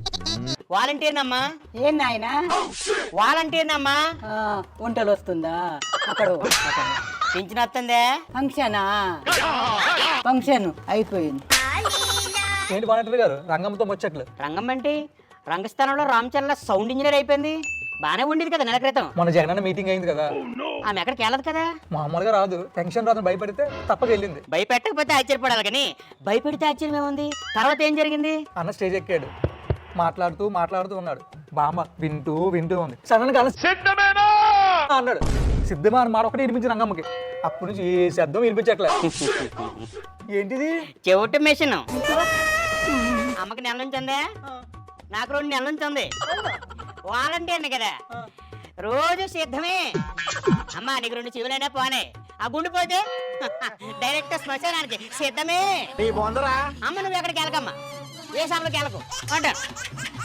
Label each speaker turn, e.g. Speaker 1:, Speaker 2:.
Speaker 1: వాలంటీర్నమ్మా.
Speaker 2: ఏం నాయనా
Speaker 1: వాలంటీర్నమ్మా.
Speaker 2: వంటలు వస్తుందా అక్కడ
Speaker 1: పింఛన్ వస్తుందే.
Speaker 2: ఫంక్షన్ అయిపోయింది.
Speaker 3: ఏంటి వాలంటీర్ గారు రంగంతో ముచ్చట్లు?
Speaker 1: రంగం అంటే రంగస్థానంలో రామచంద్ర సౌండ్ ఇంజనీర్ అయిపోయింది. బానే ఉండేది కదా నెల క్రితం.
Speaker 3: మన జగనన్న మీటింగ్ అయింది కదా,
Speaker 1: ఆమె ఎక్కడికి వెళ్ళదు కదా.
Speaker 3: మామూలుగా రాదు, టెన్షన్ రాదు భయపడితే తప్పక వెళ్ళింది.
Speaker 1: భయపెట్టకపోతే ఆశ్చర్యపడాలి కానీ భయపెడితే ఆశ్చర్యం ఏముంది. తర్వాత ఏం జరిగింది?
Speaker 3: అన్న స్టేజ్ ఎక్కాడు, మాట్లాడుతూ ఉన్నాడు. బామ్మ వింటూ ఉంది. సడన్ గా సిద్ధమేనా అన్నాడు. సిద్ధమా అని మాట ఒకటి వినిపించి రంగమ్మకి. అప్పటి నుంచి ఏ శబ్దం వినిపించట్లే. ఏంటిది?
Speaker 1: చెవిటి మెషిన్. అమ్మకి నెల నుంచి ఉందే, నాకు 2 నెలల నుంచి ఉంది. వాలంటీర్ని కదా, రోజు సిద్ధమే. అమ్మా నీకు 2 చెవులైనా పోనే, ఆ గుండు పోతే డైరెక్ట్ శ్మశానానికి సిద్ధమే. అమ్మ నువ్వు ఎక్కడికి వెళ్ళకమ్మా, ఏ సమలోకి వెళ్ళకు అంటారు.